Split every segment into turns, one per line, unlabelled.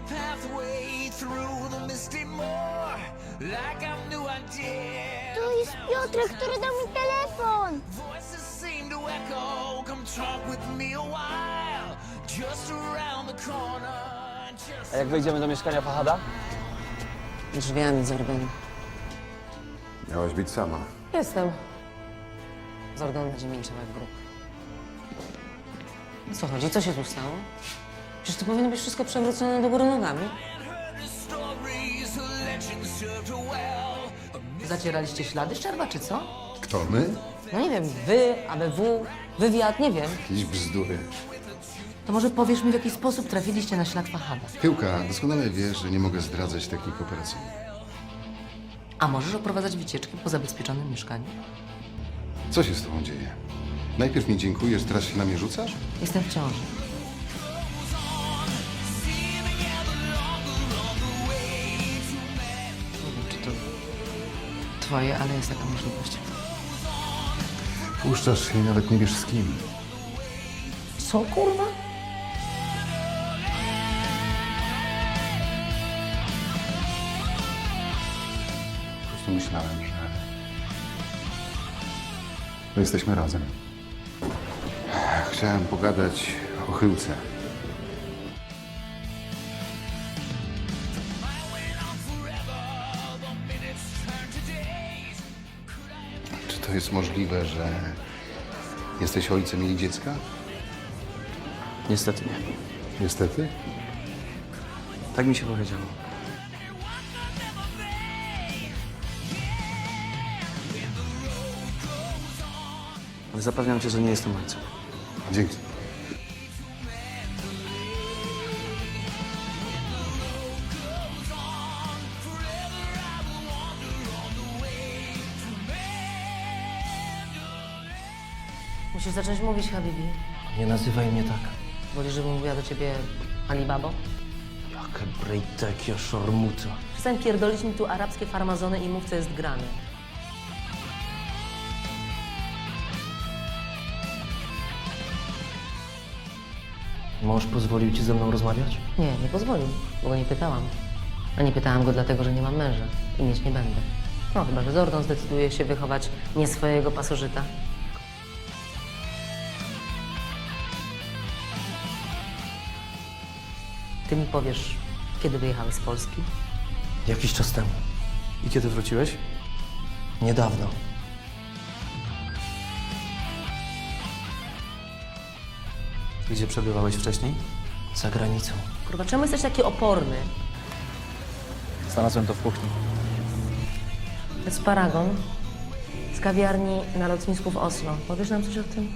pathway through the misty moor, like I knew I did.
To jest Piotrek, który dał mi telefon.
Voices seem to echo. Come talk with me a while, just around the corner.
A jak wejdziemy do mieszkania Fahada?
Drzwiami Zordon.
Miałaś być sama.
Jestem. Zordon będzie milczał jak grób. O co chodzi? Co się tu stało? Przecież to powinno być wszystko przewrócone do góry nogami.
The stories, the legends served her well.
Zacieraliście ślady Szczerba, czy co?
Kto, my?
No nie wiem, wy, ABW, wywiad, nie wiem.
Jakieś bzdury.
To może powiesz mi, w jaki sposób trafiliście na ślad Fahada?
Pyłka, doskonale wiesz, że nie mogę zdradzać technik operacyjnych.
A możesz oprowadzać wycieczki po zabezpieczonym mieszkaniu?
Co się z tobą dzieje? Najpierw mi dziękujesz, teraz się na mnie rzucasz?
Jestem w ciąży. Nie wiem, czy to twoje, ale jest taka możliwość.
Puszczasz się i nawet nie wiesz z kim.
Co, kurwa?
Po prostu myślałem, że jesteśmy razem. Chciałem pogadać o Chyłce. Czy to jest możliwe, że jesteś ojcem jej dziecka?
Niestety nie.
Niestety.
Tak mi się powiedziało. Ale zapewniam cię, że nie jestem ojcem.
Dzięki.
Musisz zacząć mówić, Habibi.
Nie nazywaj mnie tak.
Wolisz, żebym mówiła do ciebie Alibabo?
Jakie brejtekie szormuto.
Przestań pierdolić mi tu arabskie farmazony i mów, co jest grane.
Mąż pozwolił ci ze mną rozmawiać?
Nie pozwolił, bo go nie pytałam. A nie pytałam go dlatego, że nie mam męża i mieć nie będę. No, chyba że Zordon zdecyduje się wychować nie swojego pasożyta. Ty mi powiesz, kiedy wyjechałeś z Polski?
Jakiś czas temu. I kiedy wróciłeś? Niedawno. Gdzie przebywałeś wcześniej? Za granicą.
Kurwa, czemu jesteś taki oporny?
Znalazłem to w kuchni.
To jest paragon z kawiarni na lotnisku w Oslo. Powiesz nam coś o tym?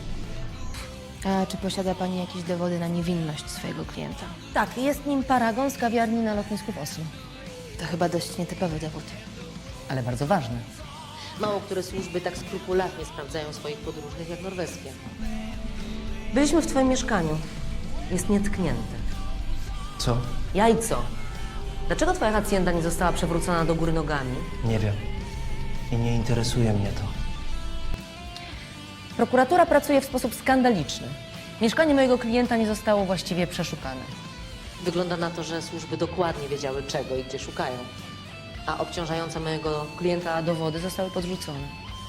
A czy posiada pani jakieś dowody na niewinność swojego klienta?
Tak, jest nim paragon z kawiarni na lotnisku w Oslo.
To chyba dość nietypowy dowód.
Ale bardzo ważne. Mało które służby tak skrupulatnie sprawdzają swoich podróżnych jak norweskie. Byliśmy w twoim mieszkaniu. Jest nietknięte.
Co?
Jajco. Dlaczego twoja hacienda nie została przewrócona do góry nogami?
Nie wiem. I nie interesuje mnie to.
Prokuratura pracuje w sposób skandaliczny. Mieszkanie mojego klienta nie zostało właściwie przeszukane. Wygląda na to, że służby dokładnie wiedziały czego i gdzie szukają. A obciążające mojego klienta dowody zostały podrzucone.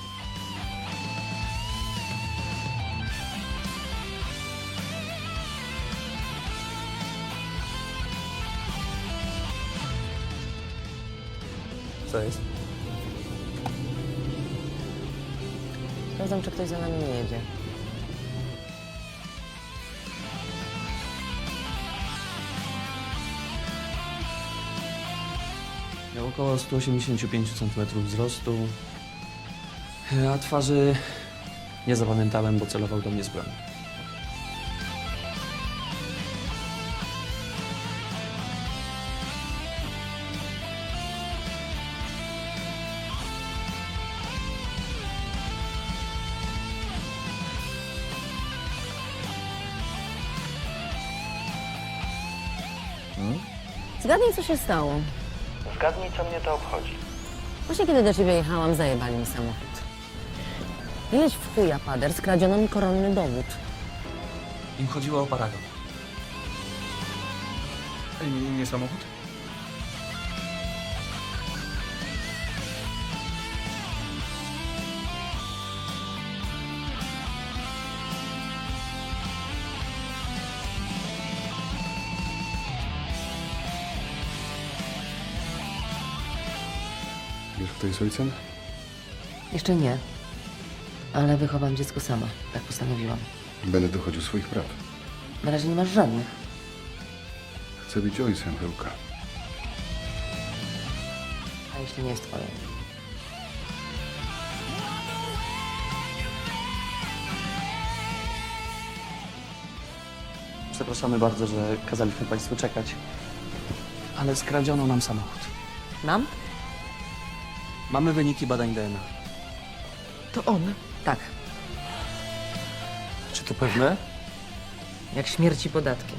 Co jest?
Sprawdzam, czy ktoś za nami nie jedzie.
Miał około 185 cm wzrostu, a twarzy nie zapamiętałem, bo celował do mnie z broni.
Zgadnij, co się stało.
Zgadnij, co mnie to obchodzi.
Właśnie kiedy do ciebie jechałam, zajebali mi samochód. Ileś w chuja, pader, skradziono mi koronny dowód.
Im chodziło o paragon.
Nie samochód?
Wiesz, kto jest ojcem?
Jeszcze nie. Ale wychowam dziecko sama. Tak postanowiłam.
Będę dochodził swoich praw.
Na razie nie masz żadnych.
Chcę być ojcem, Chyłka.
A jeśli nie jest twoje?
Przepraszamy bardzo, że kazaliśmy Państwu czekać. Ale skradziono nam samochód.
Nam?
Mamy wyniki badań DNA.
To on. Tak.
Czy to pewne?
Jak śmierci podatki.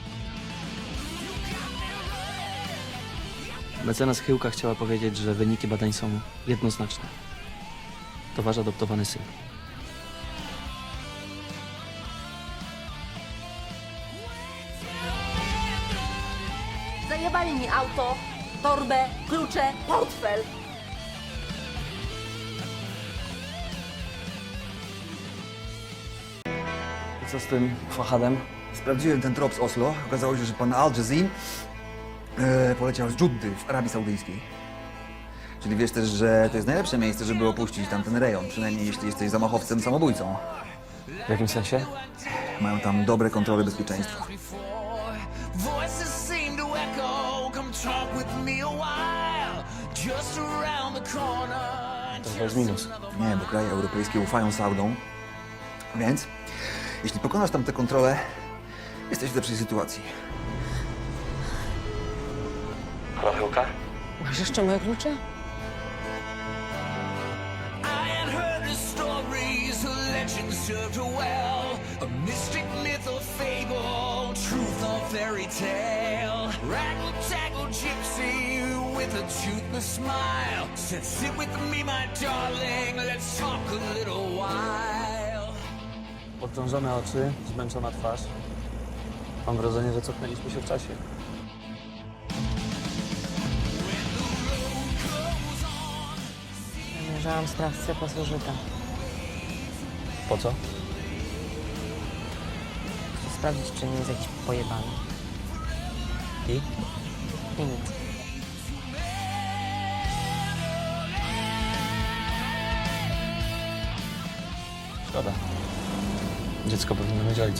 Mecenas Chyłka chciała powiedzieć, że wyniki badań są jednoznaczne. To wasz adoptowany syn.
Zajebali mi auto, torbę, klucze, portfel.
I co z tym Fahadem?
Sprawdziłem ten trop z Oslo. Okazało się, że pan Al Jazim poleciał z Dżuddy w Arabii Saudyjskiej. Czyli wiesz też, że to jest najlepsze miejsce, żeby opuścić tamten rejon, przynajmniej jeśli jesteś zamachowcem, samobójcą.
W jakim sensie?
Mają tam dobre kontrole bezpieczeństwa.
Voices seem to echo. Come talk with me a while. Just around the corner.
To chyba jest minus.
Nie, bo kraje europejskie ufają Saudom. Więc, jeśli pokonasz tam tę kontrolę, jesteś w lepszej sytuacji.
Halo, Chyłka?
Masz jeszcze moje klucze?
I had heard the stories, the legends served her well. A mystic myth or fable, truth or fairy tale. Raggle taggle gypsy with a toothless smile said, "Sit with me, my darling, let's talk a little while."
Podkrążone oczy, zmęczona twarz. Mam wrażenie, że cofnęliśmy się w czasie.
Zamierzałam sprawcę pasożyta.
Po co?
Chcę sprawdzić, czy nie jest jakiś pojebany.
I?
I nic.
Szkoda. Dziecko powinno mieć ojca.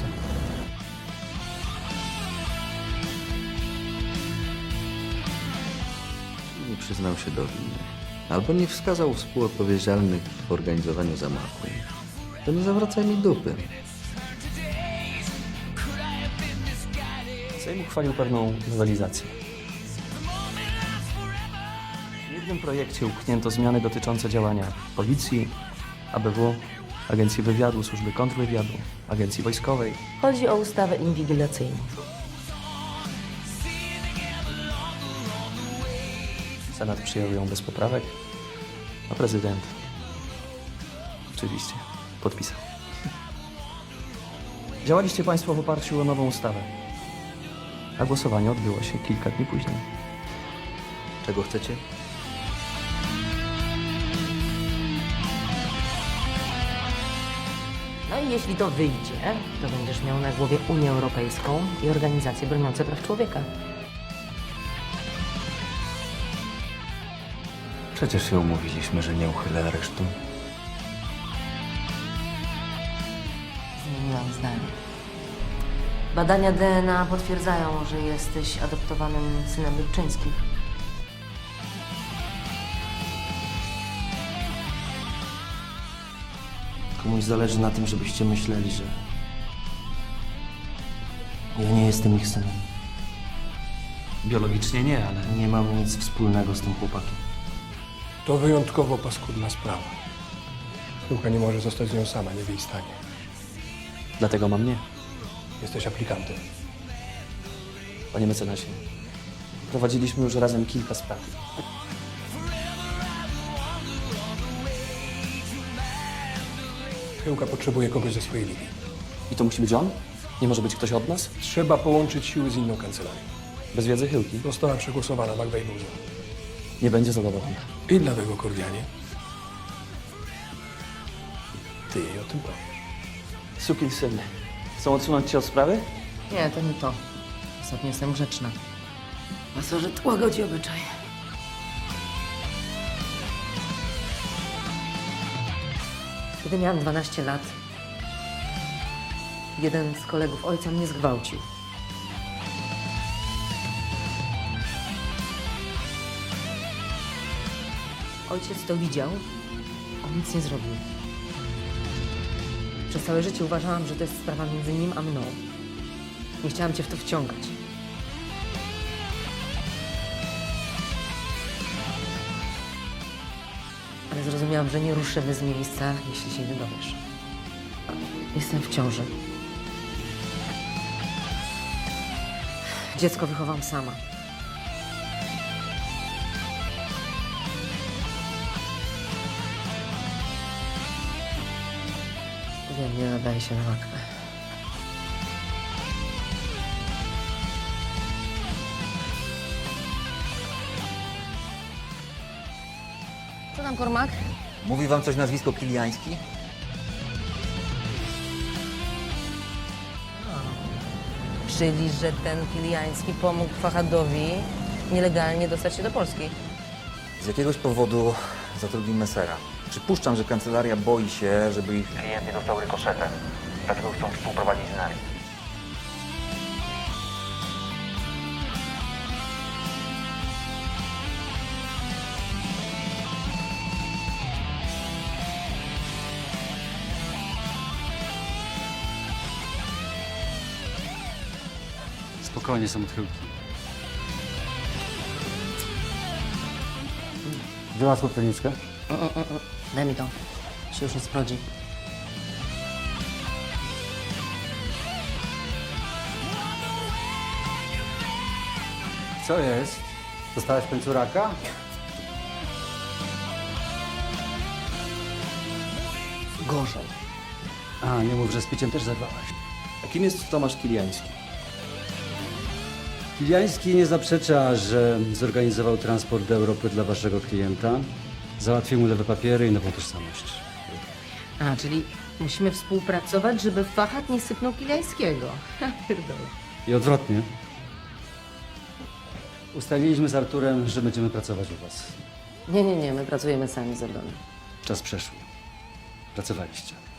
Nie przyznał się do winy, albo nie wskazał współodpowiedzialnych w organizowaniu zamachu, to nie zawracaj mi dupy.
Sejm uchwalił pewną nowelizację. W jednym projekcie upchnięto zmiany dotyczące działania Policji, ABW, Agencji Wywiadu, Służby Kontrwywiadu, Agencji Wojskowej.
Chodzi o ustawę inwigilacyjną.
Senat przyjął ją bez poprawek, a prezydent oczywiście podpisał. Działaliście Państwo w oparciu o nową ustawę, a głosowanie odbyło się kilka dni później.
Czego chcecie?
No i jeśli to wyjdzie, to będziesz miał na głowie Unię Europejską i organizacje broniące praw człowieka.
Przecież się umówiliśmy, że nie uchylę aresztu.
Zmieniłam zdanie. Badania DNA potwierdzają, że jesteś adoptowanym synem Lubczyńskich.
Komuś zależy na tym, żebyście myśleli, że ja nie jestem ich synem.
Biologicznie nie, ale
Nie mam nic wspólnego z tym chłopakiem.
To wyjątkowo paskudna sprawa. Chyłka nie może zostać z nią sama, nie w jej stanie.
dlatego mam nie.
Jesteś aplikantem.
Panie mecenasie, prowadziliśmy już razem kilka spraw.
Chyłka potrzebuje kogoś ze swojej linii.
I to musi być on? Nie może być ktoś od nas?
Trzeba połączyć siły z inną kancelarią.
Bez wiedzy Chyłki.
Została przegłosowana McVeigh-Buza.
Nie będzie zadowolona.
I dlatego, Kordianie, ty jej o tym powiesz.
Sukinsyny. Chcą odsunąć cię od sprawy?
Nie, to nie to. Ostatnio jestem grzeczna. Pasożyt łagodzi obyczaj. Kiedy miałam 12 lat, jeden z kolegów ojca mnie zgwałcił. Ojciec to widział, on nic nie zrobił. Przez całe życie uważałam, że to jest sprawa między nim a mną. Nie chciałam cię w to wciągać. Ale zrozumiałam, że nie ruszymy z miejsca, jeśli się nie dowiesz. Jestem w ciąży. Dziecko wychowam sama. Wiem, nie nadaje się na matkę. Co tam, Kormak?
Mówi wam coś nazwisko Kiliański?
Czyli, że ten Kiliański pomógł Fahadowi nielegalnie dostać się do Polski.
Z jakiegoś powodu zatrudnił Messera. Przypuszczam, że kancelaria boi się, żeby ich klient nie dostał rykoszetem. Dlatego chcą współprowadzić z nami.
Spokojnie, są odchyłki. Wyłasł pleniczkę?
Daj mi to. Się już nie sprawdzi.
Co jest? Dostałeś w końcu raka?
Gorzej.
A, nie mów, że z piciem też zerwałaś.
A kim jest Tomasz Kiliański?
Kiliański nie zaprzecza, że zorganizował transport do Europy dla waszego klienta. Załatwił mu lewe papiery i nową tożsamość.
A, czyli musimy współpracować, żeby Fahad nie sypnął Kiliańskiego. Ja pierdolę.
I odwrotnie. Ustaliliśmy z Arturem, że będziemy pracować u was.
Nie, my pracujemy sami z Ordonem.
Czas przeszły. Pracowaliście.